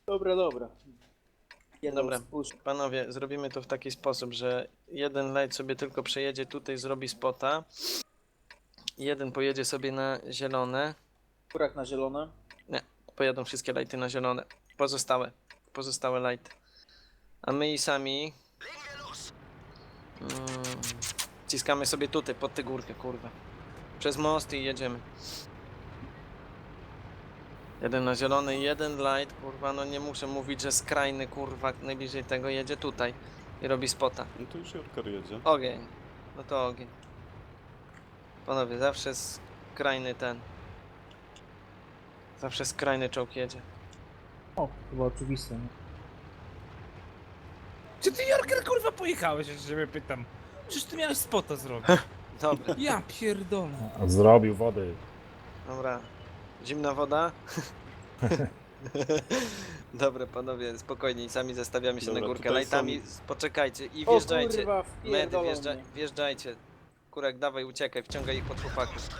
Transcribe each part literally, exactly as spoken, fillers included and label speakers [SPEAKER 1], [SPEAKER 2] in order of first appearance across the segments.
[SPEAKER 1] Dobra, dobra. Jeden
[SPEAKER 2] Dobra,
[SPEAKER 1] spuszcz.
[SPEAKER 2] panowie, zrobimy to w taki sposób, że jeden light sobie tylko przejedzie tutaj, zrobi spota. Jeden pojedzie sobie na zielone.
[SPEAKER 1] Kurak na zielone.
[SPEAKER 2] Nie, pojadą wszystkie lighty na zielone. Pozostałe, pozostałe lighty. A my i sami... Mm, ciskamy sobie tutaj, pod tę górkę, kurwa. Przez most i jedziemy. Jeden na zielony, jeden light, kurwa, no nie muszę mówić, że skrajny, kurwa, najbliżej tego jedzie tutaj i robi spota.
[SPEAKER 3] No to już Jorkar jedzie.
[SPEAKER 2] Ogień. No to ogień. Panowie, zawsze skrajny ten. Zawsze skrajny czołg jedzie.
[SPEAKER 4] O, chyba oczywiste, nie?
[SPEAKER 5] Czy ty, Jorker, kurwa, pojechałeś, że ciebie pytam? Przecież ty miałeś spota zrobić.
[SPEAKER 2] Dobra,
[SPEAKER 5] Ja pierdolę.
[SPEAKER 6] Zrobił wody.
[SPEAKER 2] dobra. Zimna woda? Dobra, panowie, spokojnie, sami zestawiamy się
[SPEAKER 3] Dobra,
[SPEAKER 2] na górkę.
[SPEAKER 3] tutaj
[SPEAKER 2] Lajtami, poczekajcie i
[SPEAKER 1] O
[SPEAKER 2] wjeżdżajcie.
[SPEAKER 1] kurwa,
[SPEAKER 2] Medy,
[SPEAKER 1] wpierdolą
[SPEAKER 2] wjeżdża,
[SPEAKER 1] mnie.
[SPEAKER 2] wjeżdżajcie. Kurek, dawaj, uciekaj, wciągaj ich pod chłopaków.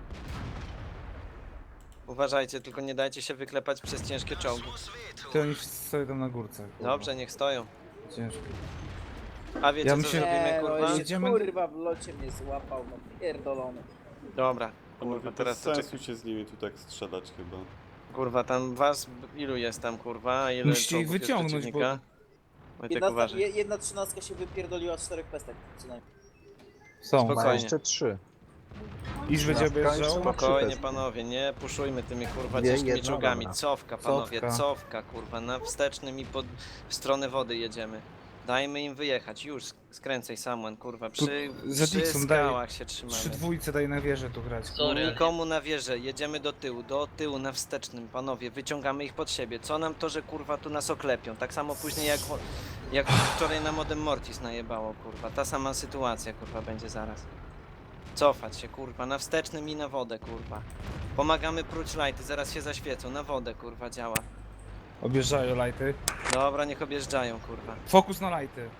[SPEAKER 2] Uważajcie, tylko nie dajcie się wyklepać przez ciężkie czołgi.
[SPEAKER 5] Ty oni wszyscy stoją tam na górce. Kurwa.
[SPEAKER 2] Dobrze, niech stoją.
[SPEAKER 5] Ciężko.
[SPEAKER 2] A wiecie
[SPEAKER 5] Ja
[SPEAKER 2] co
[SPEAKER 5] myślę-
[SPEAKER 2] zrobimy,
[SPEAKER 1] Nie, no
[SPEAKER 2] kurwa?
[SPEAKER 1] jeszcze
[SPEAKER 5] Jedziemy-
[SPEAKER 1] kurwa w locie mnie złapał, no pierdolony.
[SPEAKER 2] Dobra,
[SPEAKER 3] Panowie,
[SPEAKER 2] kurwa,
[SPEAKER 3] bez
[SPEAKER 2] teraz to
[SPEAKER 3] sensu
[SPEAKER 2] czekaj.
[SPEAKER 3] się z nimi tu tak strzelać chyba.
[SPEAKER 2] Kurwa, tam was, ilu jest tam, kurwa? A ile
[SPEAKER 5] Musicie ich
[SPEAKER 2] czołgów jest
[SPEAKER 5] wyciągnąć,
[SPEAKER 2] przeciwnika? Wojtek,
[SPEAKER 1] Jedna,
[SPEAKER 2] uważaj.
[SPEAKER 1] je- jedna trzynastka się wypierdoliła z czterech pestek przynajmniej.
[SPEAKER 5] Są.
[SPEAKER 2] Spoko-
[SPEAKER 6] Ma
[SPEAKER 2] Spokojnie.
[SPEAKER 6] jeszcze trzy.
[SPEAKER 5] Iż będzie
[SPEAKER 6] Laska
[SPEAKER 5] objeżdżał.
[SPEAKER 6] jeszcze ma-
[SPEAKER 2] Spokojnie,
[SPEAKER 6] Trzy
[SPEAKER 2] panowie, nie puszujmy tymi kurwa
[SPEAKER 6] Dwie,
[SPEAKER 2] ciężkimi
[SPEAKER 6] jedna,
[SPEAKER 2] czołgami.
[SPEAKER 6] dobra.
[SPEAKER 2] Cofka, panowie,
[SPEAKER 5] Cofka.
[SPEAKER 2] cofka, kurwa, na wstecznym i pod... w stronę wody jedziemy. Dajmy im wyjechać, już skręcaj Samuel, kurwa, przy,
[SPEAKER 5] za
[SPEAKER 2] przy
[SPEAKER 5] Dixon daje.
[SPEAKER 2] skałach się trzymamy.
[SPEAKER 5] Trzy dwójce daj na wieżę tu grać.
[SPEAKER 2] Nikomu na wieżę, jedziemy do tyłu, do tyłu na wstecznym, panowie, wyciągamy ich pod siebie. Co nam to, że kurwa tu nas oklepią? Tak samo później jak, jak wczoraj na Modem Mortis najebało, kurwa. Ta sama sytuacja, kurwa, będzie zaraz. Cofać się, kurwa, na wstecznym i na wodę, kurwa. Pomagamy pruć lighty, zaraz się zaświecą, na wodę, kurwa, działa.
[SPEAKER 5] Objeżdżają lighty.
[SPEAKER 2] Dobra, niech objeżdżają, kurwa.
[SPEAKER 5] Fokus na lighty.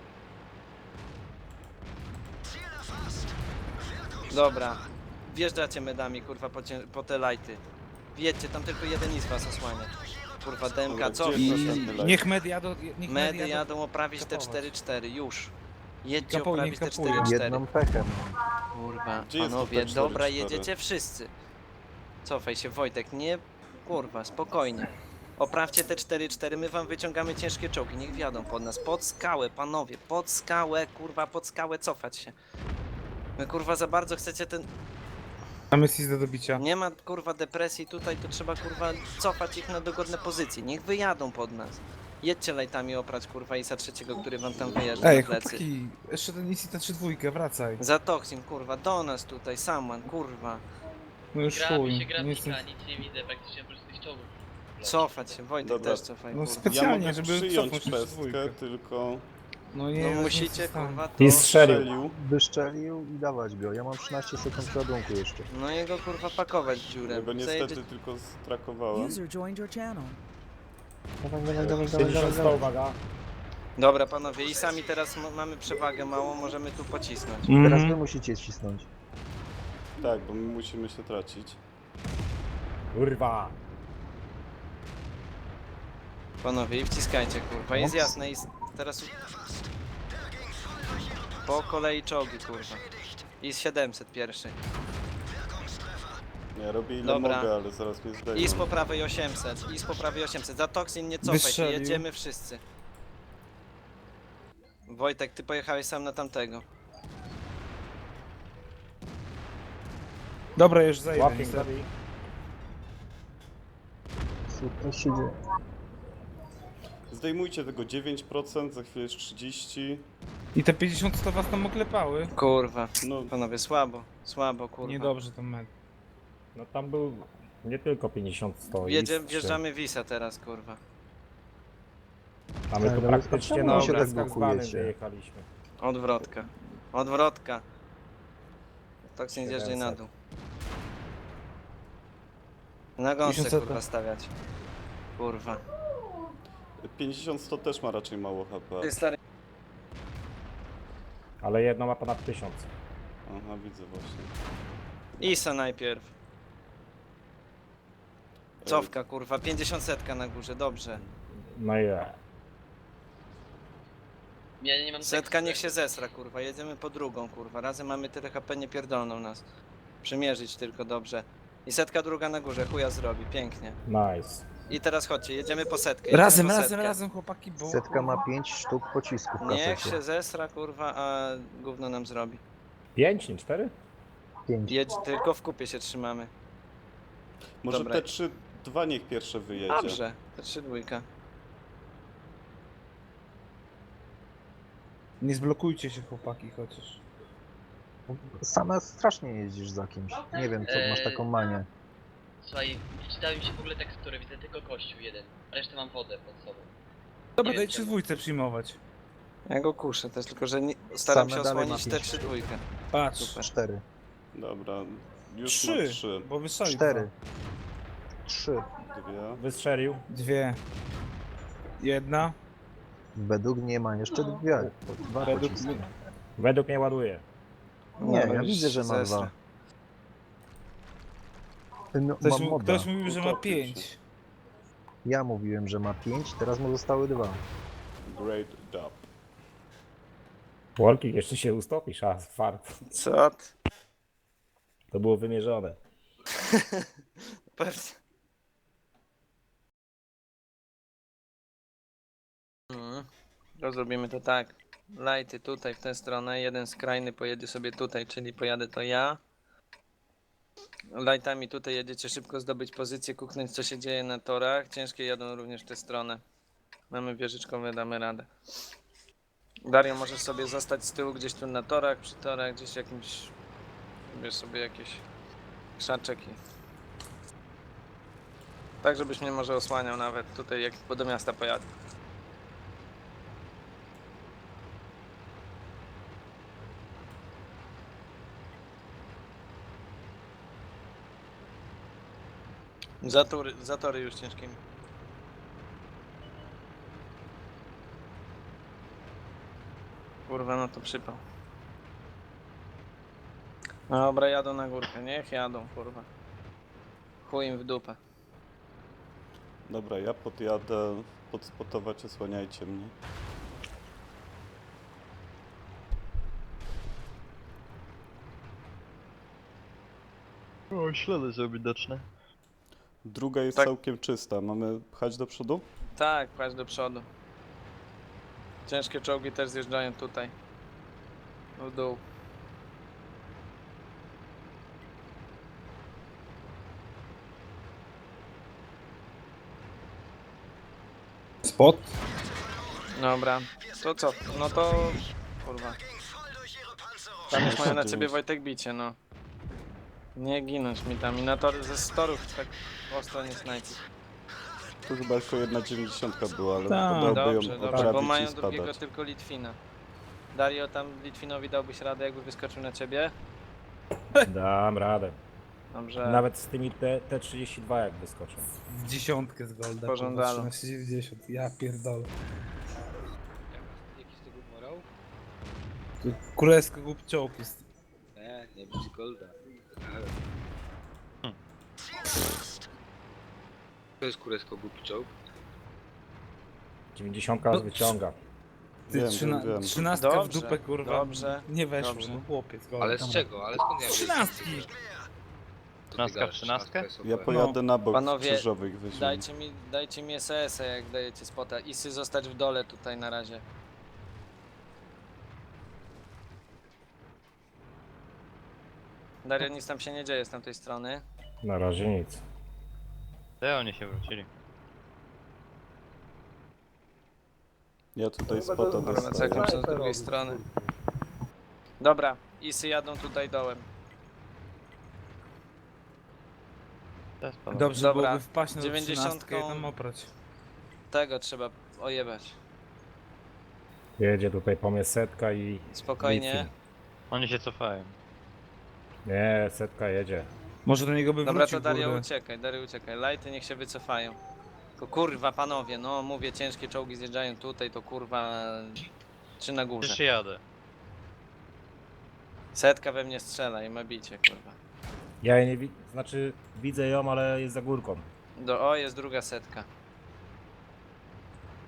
[SPEAKER 2] Dobra, wjeżdżacie medami, kurwa, po, cię, po te lighty. Wjedźcie, tam tylko jeden i z was osłania. Kurwa, D M K,
[SPEAKER 3] Dobra,
[SPEAKER 2] co?
[SPEAKER 3] gdzie
[SPEAKER 5] I
[SPEAKER 3] jest następny light?
[SPEAKER 5] niech med jadą, niech med
[SPEAKER 2] Medy
[SPEAKER 5] jadą.
[SPEAKER 2] jadą oprawić te
[SPEAKER 5] kapować.
[SPEAKER 2] cztery cztery, już. Jedźcie
[SPEAKER 5] Kapuj,
[SPEAKER 2] oprawić
[SPEAKER 5] niech
[SPEAKER 2] te
[SPEAKER 5] kapują.
[SPEAKER 2] cztery cztery.
[SPEAKER 6] Jedną pechę.
[SPEAKER 2] Kurwa,
[SPEAKER 3] Gdzie jest to
[SPEAKER 2] panowie,
[SPEAKER 3] te cztery
[SPEAKER 2] dobra,
[SPEAKER 3] cztery?
[SPEAKER 2] jedziecie wszyscy. Cofaj się, Wojtek, nie... Kurwa, spokojnie. Oprawcie te cztery cztery, my wam wyciągamy ciężkie czołgi, niech wjadą pod nas. Pod skałę, panowie, pod skałę, kurwa, pod skałę cofać się. My, kurwa, za bardzo chcecie ten...
[SPEAKER 5] Tam jest do dobicia.
[SPEAKER 2] Nie ma, kurwa, depresji tutaj, to trzeba, kurwa, cofać ich na dogodne pozycje. Niech wyjadą pod nas. Jedźcie lajtami oprać, kurwa, Isa trzeciego, który wam tam wyjeżdża
[SPEAKER 5] Ej,
[SPEAKER 2] na plecy.
[SPEAKER 5] chłopaki, jeszcze ten Isi ta trzy dwójkę, wracaj.
[SPEAKER 2] Za Toxin, kurwa, do nas tutaj, Saman, kurwa.
[SPEAKER 5] No już
[SPEAKER 7] Grabi
[SPEAKER 5] chuj.
[SPEAKER 7] się
[SPEAKER 5] Nie
[SPEAKER 7] grafika,
[SPEAKER 5] jestem...
[SPEAKER 7] nic nie widzę praktycznie oprócz tych czołgów.
[SPEAKER 2] Cofać się, Wojtek
[SPEAKER 3] Dobra.
[SPEAKER 2] też cofaj,
[SPEAKER 5] No
[SPEAKER 2] kurwa.
[SPEAKER 3] Ja
[SPEAKER 5] specjalnie,
[SPEAKER 3] mogę
[SPEAKER 5] żeby
[SPEAKER 3] przyjąć
[SPEAKER 5] cofnąć trzy
[SPEAKER 3] pestkę,
[SPEAKER 5] dwójkę.
[SPEAKER 3] tylko
[SPEAKER 5] No nie,
[SPEAKER 2] No
[SPEAKER 5] no
[SPEAKER 2] musicie,
[SPEAKER 5] nie zostało.
[SPEAKER 2] kurwa, to...
[SPEAKER 6] I strzelił.
[SPEAKER 3] strzelił.
[SPEAKER 6] Wyszczelił i dawać go. Ja mam trzynaście sekund ładunku jeszcze.
[SPEAKER 2] No jego, kurwa, pakować w dziurę.
[SPEAKER 3] Ja go niestety
[SPEAKER 2] Zajedzie...
[SPEAKER 3] tylko strakowałem.
[SPEAKER 8] User joined your channel.
[SPEAKER 6] Dawaj, dawaj, dawaj, dawaj, dawaj, dawaj. uwaga.
[SPEAKER 2] Dobra, panowie, i sami teraz m- mamy przewagę małą, możemy tu pocisnąć.
[SPEAKER 6] Teraz wy
[SPEAKER 5] Mhm.
[SPEAKER 6] musicie cisnąć.
[SPEAKER 3] Tak, bo my musimy się tracić.
[SPEAKER 6] Kurwa.
[SPEAKER 2] Panowie, i wciskajcie, kurwa, jest jasne i s- teraz... Po kolei czołgi, kurwa. I z siedemset pierwszy.
[SPEAKER 3] Ja robię ile
[SPEAKER 2] Dobra.
[SPEAKER 3] mogę, ale zaraz mnie zdejmą.
[SPEAKER 2] I z po prawej osiemset, i z po prawej osiemset. Za Toxin nie cofaj się,
[SPEAKER 5] Wystrzelił.
[SPEAKER 2] jedziemy wszyscy. Wojtek, ty pojechałeś sam na tamtego.
[SPEAKER 5] Dobra, już zajdę. niestety.
[SPEAKER 6] Super się dzieje.
[SPEAKER 3] Zdejmujcie tego dziewięć procent, za chwilę jest trzydzieści procent.
[SPEAKER 5] I te pięćdziesiąt sto was tam oklepały.
[SPEAKER 2] Kurwa,
[SPEAKER 3] No,
[SPEAKER 2] panowie, słabo, słabo, kurwa.
[SPEAKER 5] Niedobrze to med.
[SPEAKER 6] No tam był nie tylko pięćdziesiąt sto.
[SPEAKER 2] Wjedzie, wjeżdżamy Wisa teraz, kurwa.
[SPEAKER 6] A my tu praktycznie
[SPEAKER 2] na
[SPEAKER 6] na się tak
[SPEAKER 2] obrazkach
[SPEAKER 6] blokujecie. Wyjechaliśmy.
[SPEAKER 2] Odwrotka. Odwrotka. Toxin zjeżdżaj na
[SPEAKER 6] siedemset.
[SPEAKER 2] dół. Na gąsce,
[SPEAKER 5] tysiąc
[SPEAKER 2] kurwa, stawiać. Kurwa.
[SPEAKER 3] pięćdziesiąt sto też ma raczej mało H P.
[SPEAKER 2] Ty stary...
[SPEAKER 6] Ale jedno ma ponad tysiąc.
[SPEAKER 3] Aha, widzę właśnie.
[SPEAKER 2] Isa najpierw. Cofka, kurwa, pięćdziesiąt setka na górze, dobrze.
[SPEAKER 8] No i ja.
[SPEAKER 7] Ja nie mam
[SPEAKER 2] Setka
[SPEAKER 7] tekstu.
[SPEAKER 2] niech się zesra, kurwa, jedziemy po drugą, kurwa. Razem mamy tyle H P, nie pierdolną nas. Przymierzyć tylko dobrze. I setka druga na górze, chuja zrobi, pięknie.
[SPEAKER 8] Nice.
[SPEAKER 2] I teraz chodźcie, jedziemy po setkę. Jedziemy
[SPEAKER 5] Razem,
[SPEAKER 2] po
[SPEAKER 5] razem,
[SPEAKER 2] setkę.
[SPEAKER 5] razem, chłopaki, bo...
[SPEAKER 6] Setka ma pięć sztuk pocisków w
[SPEAKER 2] Niech
[SPEAKER 6] kasecie.
[SPEAKER 2] się zesra, kurwa, a gówno nam zrobi.
[SPEAKER 8] Pięć, nie cztery?
[SPEAKER 6] pięć.
[SPEAKER 2] Jedź, tylko w kupie się trzymamy.
[SPEAKER 3] Może
[SPEAKER 2] Dobra.
[SPEAKER 3] te trzy dwa niech pierwsze wyjedzie.
[SPEAKER 2] Dobrze, to trzy dwójka.
[SPEAKER 5] Nie zblokujcie się, chłopaki, chociaż.
[SPEAKER 6] Sama strasznie jeździsz za kimś. Nie wiem, co masz taką manię.
[SPEAKER 7] Słuchaj, wczytałem mi się w ogóle tekstury, widzę tylko kościół jeden. Resztę mam wodę pod sobą.
[SPEAKER 5] Dobra,
[SPEAKER 7] Nie
[SPEAKER 5] dajcie
[SPEAKER 7] wiem,
[SPEAKER 5] dwójce przyjmować.
[SPEAKER 2] Ja go kuszę też, tylko że nie, staram
[SPEAKER 6] Same
[SPEAKER 2] się
[SPEAKER 6] dalej
[SPEAKER 2] osłonić
[SPEAKER 6] ma
[SPEAKER 2] te
[SPEAKER 6] pięć.
[SPEAKER 2] trzy dwójkę.
[SPEAKER 5] Patrz,
[SPEAKER 2] Super.
[SPEAKER 6] Cztery.
[SPEAKER 3] Dobra, już ma
[SPEAKER 5] trzy,
[SPEAKER 3] trzy.
[SPEAKER 5] bo wystrzelił
[SPEAKER 6] Cztery.
[SPEAKER 5] dwa.
[SPEAKER 6] Trzy.
[SPEAKER 3] Dwie.
[SPEAKER 8] Wystrzelił.
[SPEAKER 5] Dwie. Jedna.
[SPEAKER 6] Według mnie ma jeszcze dwie. Dwa
[SPEAKER 5] Według
[SPEAKER 6] pociski.
[SPEAKER 5] mnie.
[SPEAKER 8] Według mnie ładuje.
[SPEAKER 6] Nie,
[SPEAKER 2] Dobra,
[SPEAKER 6] ja
[SPEAKER 2] już
[SPEAKER 6] widzę, że ma
[SPEAKER 2] zesra.
[SPEAKER 6] dwa. No,
[SPEAKER 5] Ktoś,
[SPEAKER 6] mam
[SPEAKER 5] mu,
[SPEAKER 6] moda.
[SPEAKER 5] ktoś mówił, że ma
[SPEAKER 3] Utopił się.
[SPEAKER 5] pięć.
[SPEAKER 6] Ja mówiłem, że ma pięć, teraz mu zostały dwa.
[SPEAKER 3] Great job.
[SPEAKER 8] Worki, jeszcze się ustopisz, a fart.
[SPEAKER 2] Co? ty?
[SPEAKER 8] To było wymierzone.
[SPEAKER 2] Pewnie. Mhm. To zrobimy to tak. Lighty tutaj w tę stronę, jeden skrajny pojedzie sobie tutaj, czyli pojadę to ja. Lightami tutaj jedziecie szybko zdobyć pozycję, kuknąć co się dzieje na torach. Ciężkie jadą również w tę stronę. Mamy wieżyczkowe, damy radę. Dario, możesz sobie zostać z tyłu gdzieś tu na torach, przy torach, gdzieś jakimś... Bierz sobie jakieś krzaczek i... Tak, żebyś mnie może osłaniał nawet tutaj, jak do miasta pojadę. Zatory, zatory już ciężkimi. Kurwa, no to przypał. Dobra, jadą na górkę, niech jadą, kurwa. Chuj im w dupę.
[SPEAKER 3] Dobra, ja podjadę podspotować, osłaniajcie mnie.
[SPEAKER 9] O, ślady są widoczne.
[SPEAKER 3] Druga jest
[SPEAKER 2] Tak.
[SPEAKER 3] całkiem czysta. Mamy pchać do przodu?
[SPEAKER 2] Tak, pchać do przodu. Ciężkie czołgi też zjeżdżają tutaj. W dół.
[SPEAKER 5] Spot.
[SPEAKER 2] Dobra, to co? No to... Kurwa. Tam już mają na ciebie Wojtek bicie, no. Nie ginąć mi tam i na tor ze storów tak ostro nie snajpić.
[SPEAKER 3] Tu chyba tylko jedna dziewięćdziesiątka była, ale
[SPEAKER 5] Tak.
[SPEAKER 3] dałby
[SPEAKER 2] Dobrze,
[SPEAKER 3] ją
[SPEAKER 2] dobrze, bo
[SPEAKER 3] oprawić
[SPEAKER 2] mają
[SPEAKER 3] i
[SPEAKER 2] drugiego
[SPEAKER 3] spadać.
[SPEAKER 2] tylko Litwina. Dario, tam Litwinowi dałbyś radę, jakby wyskoczył na ciebie?
[SPEAKER 8] Dam radę.
[SPEAKER 2] Dobrze.
[SPEAKER 8] Nawet z tymi T- T32 jak wyskoczą.
[SPEAKER 5] W dziesiątkę z golda.
[SPEAKER 2] Pożądało.
[SPEAKER 5] trzynaście dziewięćdziesiąt. Ja pierdolę.
[SPEAKER 10] Jaki z tego morał?
[SPEAKER 5] Tu królewsko głup czołg jest.
[SPEAKER 10] Nie, nie być golda. To jest kurewsko głupi czołg.
[SPEAKER 8] dziewięćdziesiąt
[SPEAKER 5] No,
[SPEAKER 8] wyciąga.
[SPEAKER 5] Ty
[SPEAKER 3] Wiem,
[SPEAKER 5] trzyna,
[SPEAKER 3] wiem, wiem.
[SPEAKER 5] trzynastka w
[SPEAKER 2] Dobrze,
[SPEAKER 5] dupę, kurwa.
[SPEAKER 2] dobrze,
[SPEAKER 5] Nie weszło,
[SPEAKER 2] dobrze.
[SPEAKER 5] no chłopiec. Golda.
[SPEAKER 10] Ale z czego? Ale skąd ja wiem?
[SPEAKER 5] Trzynastki.
[SPEAKER 9] Trzynastka w trzynastkę?
[SPEAKER 3] Ja pojadę na bok
[SPEAKER 2] Panowie,
[SPEAKER 3] krzyżowych weźmiemy.
[SPEAKER 2] Dajcie mi, dajcie mi S S a, jak dajecie spota. Isy zostać w dole tutaj na razie. Dario, nic tam się nie dzieje z tamtej strony.
[SPEAKER 8] Na razie nic.
[SPEAKER 9] Te oni się wrócili.
[SPEAKER 3] Ja tutaj
[SPEAKER 4] Chyba
[SPEAKER 3] spota
[SPEAKER 4] to-
[SPEAKER 2] Dobra,
[SPEAKER 3] dostaję.
[SPEAKER 2] czekam się z drugiej strony. Dobra, Isy jadą tutaj dołem.
[SPEAKER 9] Teraz panowie.
[SPEAKER 5] Dobrze
[SPEAKER 2] Dobra,
[SPEAKER 5] byłoby wpaść na
[SPEAKER 2] dziewięćdziesiątką.
[SPEAKER 5] dziewięćdziesiątkę i tam oprać.
[SPEAKER 2] Tego trzeba ojebać.
[SPEAKER 8] Jedzie tutaj po mnie setka i...
[SPEAKER 2] Spokojnie.
[SPEAKER 8] Litwin.
[SPEAKER 9] Oni się cofają.
[SPEAKER 8] Nie, setka jedzie.
[SPEAKER 5] Może do niego by
[SPEAKER 2] Dobra,
[SPEAKER 5] wrócił,
[SPEAKER 2] to Dario
[SPEAKER 5] kurde.
[SPEAKER 2] uciekaj, Dario uciekaj. Lighty niech się wycofają. To kurwa panowie, no mówię, ciężkie czołgi zjeżdżają tutaj, to kurwa... Czy na górze.
[SPEAKER 9] Już jadę.
[SPEAKER 2] Setka we mnie strzela i ma bicie, kurwa.
[SPEAKER 8] Ja jej nie widzę, znaczy widzę ją, ale jest za górką.
[SPEAKER 2] Do, o, jest druga setka.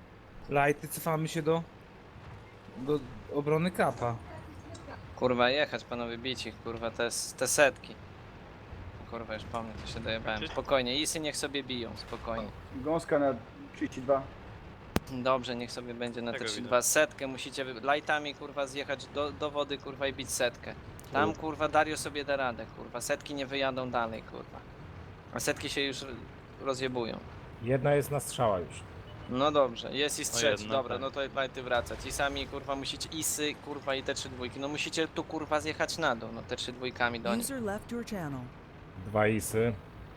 [SPEAKER 5] Lighty, cofamy się do... do obrony kapa.
[SPEAKER 2] Kurwa, jechać panowie, bić ich, kurwa, te, te setki. Kurwa, już po mnie to się dojebałem. Spokojnie, isy niech sobie biją, spokojnie.
[SPEAKER 4] Gąska na trzydzieści dwa.
[SPEAKER 2] Dobrze, niech sobie będzie na te
[SPEAKER 9] Tego
[SPEAKER 2] trzydzieści dwa. Setkę musicie wy- lightami, kurwa, zjechać do, do wody, kurwa, i bić setkę. Tam, kurwa, Dario sobie da radę, kurwa. Setki nie wyjadą dalej, kurwa. A setki się już rozjebują.
[SPEAKER 8] Jedna jest na strzała już.
[SPEAKER 2] No dobrze, jest i trzeci,
[SPEAKER 9] jedna,
[SPEAKER 2] dobra,
[SPEAKER 9] tak.
[SPEAKER 2] no to lighty wracać. I sami, kurwa, musicie isy, kurwa, i te trzy dwójki. No musicie tu, kurwa, zjechać na dół, no te trzy dwójkami do nich.
[SPEAKER 11] User left your channel.
[SPEAKER 8] Dwa isy.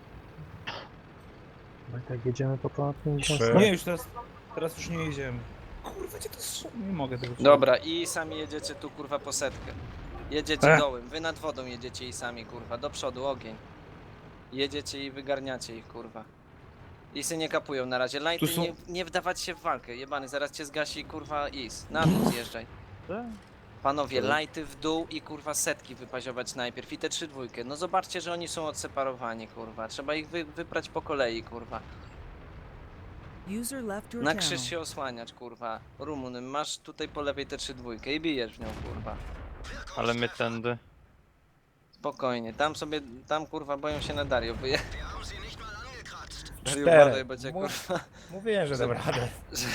[SPEAKER 6] No i tak jedziemy po ponad pięćdziesiąt.
[SPEAKER 8] Trzy.
[SPEAKER 5] Nie, już teraz... Teraz już nie jedziemy. Kurwa, gdzie to strzel... Nie mogę tego
[SPEAKER 2] Dobra, i sami jedziecie tu, kurwa, po setkę. Jedziecie
[SPEAKER 5] Ech.
[SPEAKER 2] dołem, wy nad wodą jedziecie i sami, kurwa, do przodu, ogień. Jedziecie i wygarniacie ich, kurwa. Isy nie kapują na razie, lighty
[SPEAKER 5] Tu są-
[SPEAKER 2] nie, nie wdawać się w walkę, jebany, zaraz cię zgasi, kurwa, is. Na dół zjeżdżaj. Panowie, lighty w dół i, kurwa, setki wypaziować najpierw i te trzy dwójkę. No zobaczcie, że oni są odseparowani, kurwa. Trzeba ich wy, wyprać po kolei, kurwa.
[SPEAKER 11] User left your
[SPEAKER 2] Na
[SPEAKER 11] channel.
[SPEAKER 2] krzyż się osłaniać, kurwa. Rumun, masz tutaj po lewej te trzy dwójkę i bijesz w nią, kurwa.
[SPEAKER 9] Ale my tędy.
[SPEAKER 2] Spokojnie, tam sobie, tam kurwa boją się na Dario, bo je... Dario,
[SPEAKER 8] Cztery.
[SPEAKER 2] uważaj, bo cię
[SPEAKER 8] Mów-
[SPEAKER 2] kurwa...
[SPEAKER 8] Mówiłem, że dam radę.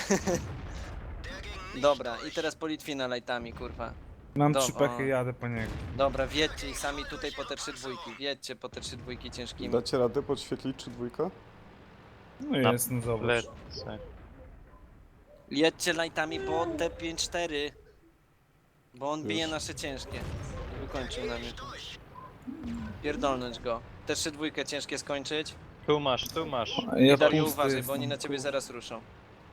[SPEAKER 2] Dobra, i teraz po Litwina lightami, kurwa.
[SPEAKER 5] Mam
[SPEAKER 2] Do-
[SPEAKER 5] trzy pechy,
[SPEAKER 2] o.
[SPEAKER 5] jadę po niego.
[SPEAKER 2] Dobra, wjedźcie i sami tutaj po te trzy dwójki, wjedźcie po te trzy dwójki ciężkimi.
[SPEAKER 3] Dacie radę podświetlić czy dwójka?
[SPEAKER 5] No jest, no zobacz.
[SPEAKER 9] Lecę.
[SPEAKER 2] Jedźcie lightami po te pięć cztery. Bo on bije
[SPEAKER 3] Już.
[SPEAKER 2] nasze ciężkie. Wykończył na mnie. Pierdolnąć go. Te trzy dwójkę ciężkie skończyć.
[SPEAKER 9] Tu masz, tu masz.
[SPEAKER 5] Ja
[SPEAKER 2] Dario,
[SPEAKER 5] pusty
[SPEAKER 2] uważaj, bo
[SPEAKER 5] jestem,
[SPEAKER 2] oni na ciebie
[SPEAKER 5] kurwa.
[SPEAKER 2] zaraz ruszą.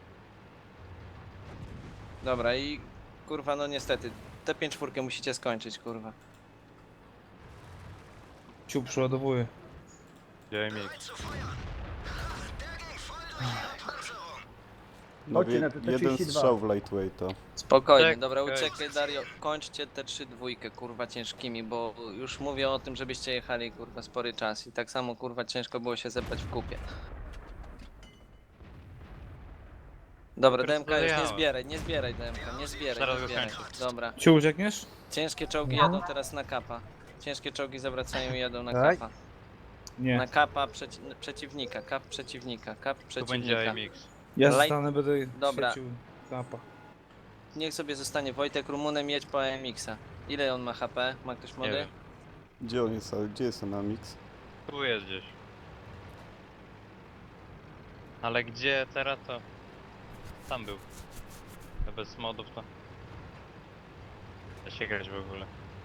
[SPEAKER 2] Dobra i kurwa, no niestety, te pięć czwórkę musicie skończyć, kurwa.
[SPEAKER 5] Ciu, przeładowuję.
[SPEAKER 9] Działaj mi.
[SPEAKER 3] No,
[SPEAKER 4] Chodźcie
[SPEAKER 3] je,
[SPEAKER 4] na te- te
[SPEAKER 3] jeden
[SPEAKER 4] trzydzieści dwa.
[SPEAKER 3] strzał w lightweighta.
[SPEAKER 2] Spokojnie,
[SPEAKER 9] Tak,
[SPEAKER 2] dobra,
[SPEAKER 9] okej.
[SPEAKER 2] uciekaj Dario, kończcie te trzy dwójkę, kurwa, ciężkimi, bo już mówię o tym, żebyście jechali, kurwa, spory czas i tak samo, kurwa, ciężko było się zebrać w kupie. Dobra, D M K już nie
[SPEAKER 9] Rozmawiałem.
[SPEAKER 2] zbieraj, nie zbieraj D M K, nie zbieraj,
[SPEAKER 9] Zaraz
[SPEAKER 2] nie
[SPEAKER 9] go
[SPEAKER 2] zbieraj.
[SPEAKER 9] kończę.
[SPEAKER 2] Dobra,
[SPEAKER 5] Ciu, uciekniesz?
[SPEAKER 2] ciężkie czołgi jadą teraz na kapa. Ciężkie czołgi zawracają i jadą na
[SPEAKER 6] Tak?
[SPEAKER 2] kapa.
[SPEAKER 5] Nie.
[SPEAKER 2] Na kapa przeci przeciwnika, kap przeciwnika, kap
[SPEAKER 9] Tu będzie
[SPEAKER 2] przeciwnika.
[SPEAKER 9] A M X.
[SPEAKER 5] Ja
[SPEAKER 2] Light-
[SPEAKER 5] zostanę, będę
[SPEAKER 2] Dobra.
[SPEAKER 5] świecił kapa.
[SPEAKER 2] Niech sobie zostanie Wojtek Rumunem, jedź po A M X-a. Ile on ma H P? Ma ktoś
[SPEAKER 9] Nie
[SPEAKER 2] mody?
[SPEAKER 9] wiem.
[SPEAKER 3] Gdzie on jest? Ale gdzie jest ten Amix?
[SPEAKER 9] Tu jest gdzieś. Ale gdzie teraz to... Tam był. To bez modów to... Da się grać w ogóle.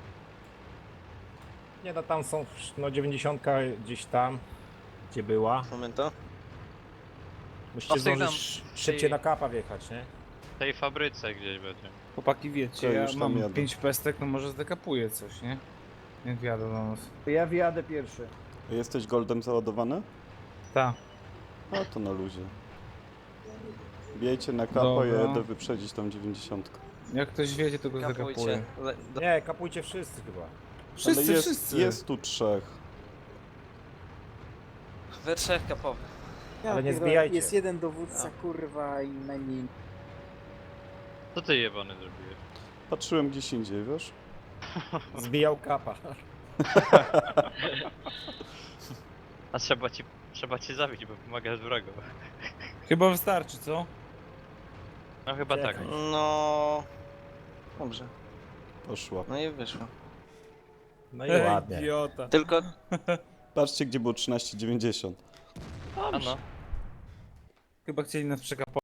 [SPEAKER 8] Nie, no tam są, no dziewięćdziesiątka gdzieś tam, gdzie była.
[SPEAKER 2] Momento.
[SPEAKER 8] Musicie
[SPEAKER 9] No, sygnał-
[SPEAKER 8] zdążyć szybciej na kapa wjechać, nie?
[SPEAKER 9] W tej fabryce gdzieś będzie.
[SPEAKER 5] Chłopaki, wiecie,
[SPEAKER 3] To
[SPEAKER 5] ja
[SPEAKER 3] już tam
[SPEAKER 5] mam
[SPEAKER 3] jadę.
[SPEAKER 5] pięć pestek, no może zdekapuję coś, nie? Jak wjadę do nas.
[SPEAKER 4] Ja wjadę pierwszy.
[SPEAKER 3] A jesteś goldem załadowany?
[SPEAKER 5] Ta.
[SPEAKER 3] A to na luzie. Bijcie na kapa,
[SPEAKER 5] Dobra.
[SPEAKER 3] ja jadę wyprzedzić tą dziewięćdziesiątkę.
[SPEAKER 5] Jak ktoś wiedzie, to go
[SPEAKER 2] Kapujcie.
[SPEAKER 5] zdekapuję.
[SPEAKER 2] Le do
[SPEAKER 8] Nie, kapujcie wszyscy chyba.
[SPEAKER 5] Wszyscy,
[SPEAKER 3] Ale jest,
[SPEAKER 5] wszyscy.
[SPEAKER 3] jest tu trzech.
[SPEAKER 2] we trzech kapowych.
[SPEAKER 8] Ale nie
[SPEAKER 1] pierdolę,
[SPEAKER 8] zbijajcie.
[SPEAKER 1] Jest jeden dowódca, kurwa, i najmniej.
[SPEAKER 9] Co ty jebany zrobiłeś?
[SPEAKER 3] Patrzyłem gdzieś indziej, wiesz?
[SPEAKER 8] Zbijał kapa.
[SPEAKER 9] A trzeba ci... Trzeba cię zabić, bo pomagasz wrogu.
[SPEAKER 5] Chyba wystarczy, co?
[SPEAKER 9] No chyba tak.
[SPEAKER 8] Czekaj.
[SPEAKER 2] No... Dobrze,
[SPEAKER 3] Poszła.
[SPEAKER 2] no i wyszło.
[SPEAKER 8] No i ładnie.
[SPEAKER 5] Idiota.
[SPEAKER 2] Tylko
[SPEAKER 3] Patrzcie, gdzie było trzynaście dziewięćdziesiąt.
[SPEAKER 9] A no.
[SPEAKER 5] Chyba chcieli nas przekapować.